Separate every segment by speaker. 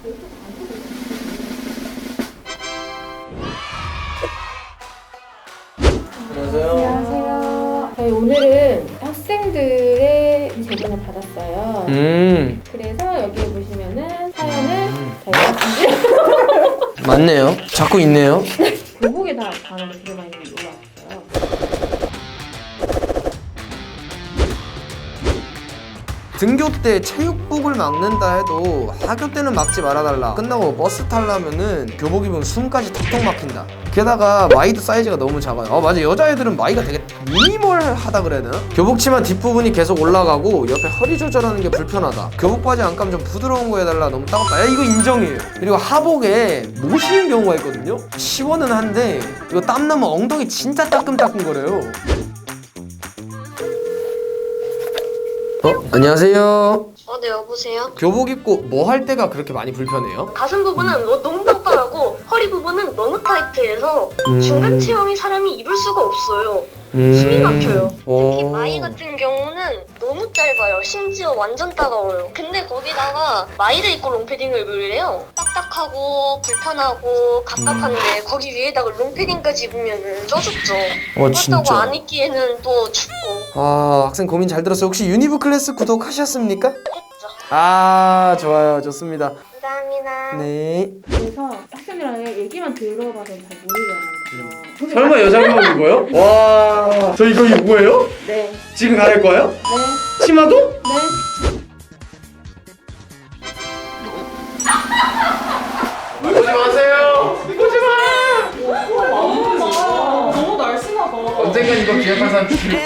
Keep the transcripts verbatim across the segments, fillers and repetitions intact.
Speaker 1: 안녕하세요.
Speaker 2: 안녕하세요. 저희 오늘은 학생들의 제보를 받았어요.
Speaker 1: 음.
Speaker 2: 그래서 여기 보시면은 사연을 저희가 준비.
Speaker 1: 맞네요. 자꾸 있네요.
Speaker 2: 교복에 다 반응이 되게 많이 올라왔어요.
Speaker 1: 등교 때 체육복을 막는다 해도 하교 때는 막지 말아달라. 끝나고 버스 타려면은 교복 입으면 숨까지 턱턱 막힌다. 게다가 마이도 사이즈가 너무 작아요. 어 맞아, 여자애들은 마이가 되게 미니멀하다 그래야 되나? 교복 치마 뒷부분이 계속 올라가고 옆에 허리 조절하는 게 불편하다. 교복 바지 안감 좀 부드러운 거 해달라. 너무 따갑다. 야, 이거 인정이에요. 그리고 하복에 못 신는 경우가 있거든요. 시원은 한데 이거 땀나면 엉덩이 진짜 따끔따끔거려요. 어? 안녕하세요.
Speaker 3: 어, 네, 여보세요?
Speaker 1: 교복 입고 뭐 할 때가 그렇게 많이 불편해요?
Speaker 3: 가슴 부분은 너- 너무 빡빡하고 허리 부분은 너무 타이트해서
Speaker 1: 음.
Speaker 3: 중간 체형이 사람이 입을 수가 없어요.
Speaker 1: 음.
Speaker 3: 숨이 막혀요.
Speaker 1: 오.
Speaker 3: 특히 마이 같은 경우는 너무 짧아요. 심지어 완전 따가워요. 근데 거기다가 마이를 입고 롱패딩을 입으래요. 딱딱하고 불편하고 갑갑한데
Speaker 1: 음.
Speaker 3: 거기 위에다가 롱패딩까지 입으면은 쪄 죽죠.
Speaker 1: 어,
Speaker 3: 그렇다고
Speaker 1: 진짜.
Speaker 3: 안 입기에는 또 춥고
Speaker 1: 아, 학생 고민 잘 들었어요. 혹시 유니브 클래스 구독하셨습니까?
Speaker 3: 했죠.
Speaker 1: 아, 좋아요. 좋습니다.
Speaker 3: 감사합니다.
Speaker 1: 네.
Speaker 2: 그래서 학생들이랑 얘기만 들어봐서 잘 모르겠는 거죠.
Speaker 1: 설마 여자 교복 입어요? 와, 저 이거 입고예요?
Speaker 2: 네.
Speaker 1: 지금 가릴 거예요?
Speaker 2: 네.
Speaker 1: 치마도?
Speaker 2: 네.
Speaker 1: 보지 마세요. 보지 마.
Speaker 2: 너무 날씬하다.
Speaker 1: 언젠간 이거 기억할 사람.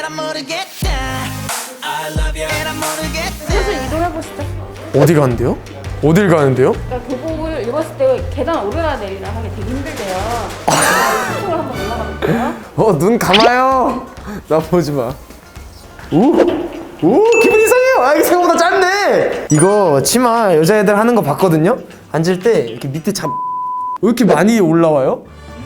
Speaker 2: 슬슬 이동해보시죠.
Speaker 1: 어디 가는데요? 어딜 가는데요?
Speaker 2: 그러니까 교복을 입었을 때 계단 오르나 내리나 하기 되게 힘들대요. 한쪽으로 한번 올라가볼게요.
Speaker 1: 어, 눈 감아요. 나 보지 마. 오, 오, 기분 이상해요. 아, 이게 생각보다 짧네. 이거 치마 여자애들 하는 거 봤거든요. 앉을 때 이렇게 밑에 잡. 왜 이렇게 많이 올라와요?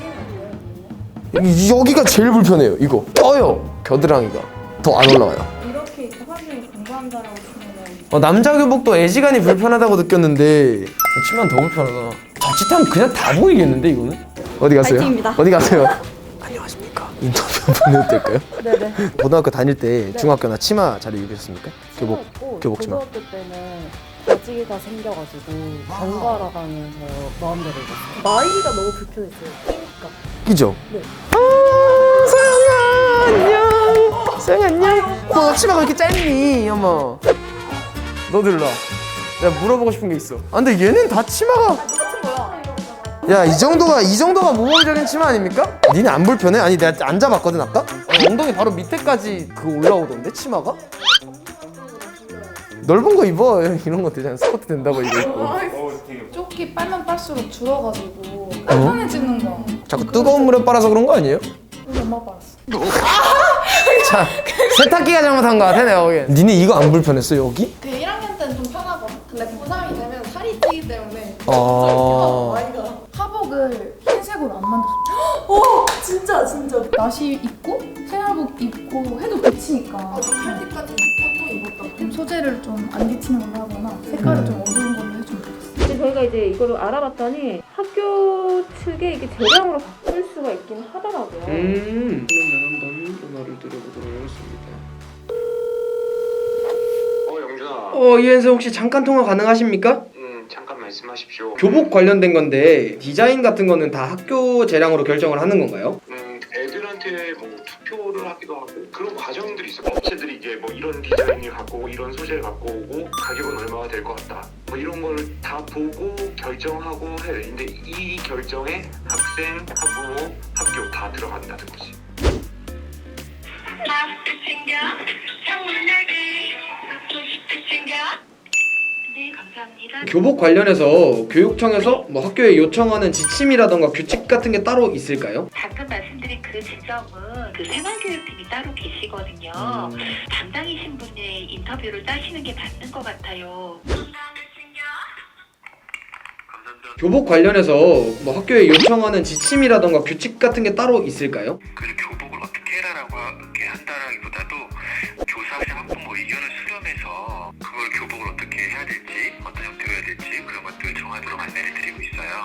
Speaker 1: 이- 여기가 제일 불편해요. 이거 떠요. 겨드랑이가 더 안 올라와요.
Speaker 2: 이렇게 사람들이 공부한다라고 치면은
Speaker 1: 어, 남자 교복도 애지간히 불편하다고 느꼈는데 치마는 더 불편하다. 자칫하면 그냥 다 보이겠는데 이거는? 어디 가세요?
Speaker 2: 파이팅입니다.
Speaker 1: 어디 가세요? 안녕하십니까? 인터뷰 한번 해도 될까요?
Speaker 2: 네네.
Speaker 1: 고등학교 다닐 때 중학교나 치마 잘 입으셨습니까? 교복,
Speaker 4: 했고,
Speaker 1: 교복 치마.
Speaker 4: 고등학교 때는 바지가 생겨가지고 번갈아 가면서 마음대로 입었어요. 마이가 너무 불편했어요. 끼니까.
Speaker 1: 그죠?
Speaker 4: 네.
Speaker 1: 아, 서영아 안녕. 서영아 안녕. 너 치마가 왜 이렇게 짧니? 어머. 너들 일로 와. 내가 물어보고 싶은 게 있어. 아 근데 얘는 다 치마가 야, 이 정도가 이 정도가 모범적인 치마 아닙니까? 니네 안 불편해? 아니 내가 앉아봤거든 아까? 어, 엉덩이 바로 밑에까지 그 올라오던데 치마가? 넓은 거 입어. 이런 거 되잖아. 스커트 된다고 이거 입고.
Speaker 5: 조끼 빨면 빨수록 줄어가지고 편해지는 거.
Speaker 1: 자꾸 뜨거운 물에 빨아서 그런 거 아니에요?
Speaker 5: 우리 엄마 빨았어.
Speaker 1: 자, 세탁기가 잘못한 거 같아 내가 보기엔. 니네 이거 안 불편했어 여기?
Speaker 5: 그 일 학년 때는 좀 편하거든. 근데 고삼이 되면 살이 찌기 때문에
Speaker 1: 아.
Speaker 5: 마이가 하복을 흰색으로 안 만들었어. 오 진짜 진짜. 나시 입고 생활복 입고 해도 비치니까. 팔 때까지 입고 또 입었다. 좀 소재를 좀 안 비치는 걸로 하거나 색깔을 좀 어두운 걸로 해주면 좋겠어.
Speaker 2: 근데 저희가 이제 이거를 알아봤더니 학교 측에 이게 재량으로 바꿀 수가 있긴 하더라고요.
Speaker 1: 음. 그러면 한번 전화를 드려보도록 하겠습니다.
Speaker 6: 어, 영준아.
Speaker 1: 어, 이현수 혹시 잠깐 통화 가능하십니까?
Speaker 6: 음, 잠깐 말씀하십시오.
Speaker 1: 교복 관련된 건데 디자인 같은 거는 다 학교 재량으로 결정을 하는 건가요?
Speaker 6: 음, 애들한테 뭐 투표를 하기도 하고 그런 과정들이 있어. 업체들이 이제 뭐 이런 디자인을 갖고 오고 이런 소재를 갖고 오고 가격은 얼마가 될 것 같다. 뭐 이런 걸 다 보고 결정하고 해. 근데 이 결정에 학생, 학부모, 학교 다 들어간다는 거지.
Speaker 3: 네, 감사합니다.
Speaker 1: 교복 관련해서 교육청에서 뭐 학교에 요청하는 지침이라던가 규칙 같은 게 따로 있을까요?
Speaker 7: 방금 말씀드린 그 지점은 그 생활교육팀이 따로 계시거든요.
Speaker 1: 음.
Speaker 7: 담당이신 분의 인터뷰를 따시는 게 맞는 것 같아요.
Speaker 1: 교복 관련해서 뭐 학교에 요청하는 지침이라던가 규칙 같은 게 따로 있을까요?
Speaker 8: 그 교복을 어떻게 해라라고 이렇게 한다라기보다도 교사학생 학부모 의견을 수렴해서 그걸 교복을 어떻게 해야 될지 어떤 형태로 해야 될지 그런 것들을 정하도록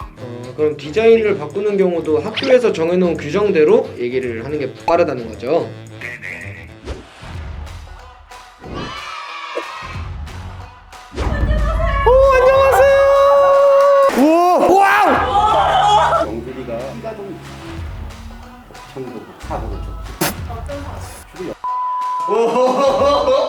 Speaker 1: 어, 그럼 디자인을 바꾸는 경우도 학교에서 정해놓은 규정대로 얘기를 하는 게 빠르다는 거죠.
Speaker 8: 네네.
Speaker 1: 우와! 와우!
Speaker 9: 영빈이가 키가 좀 정도 차보고 좀.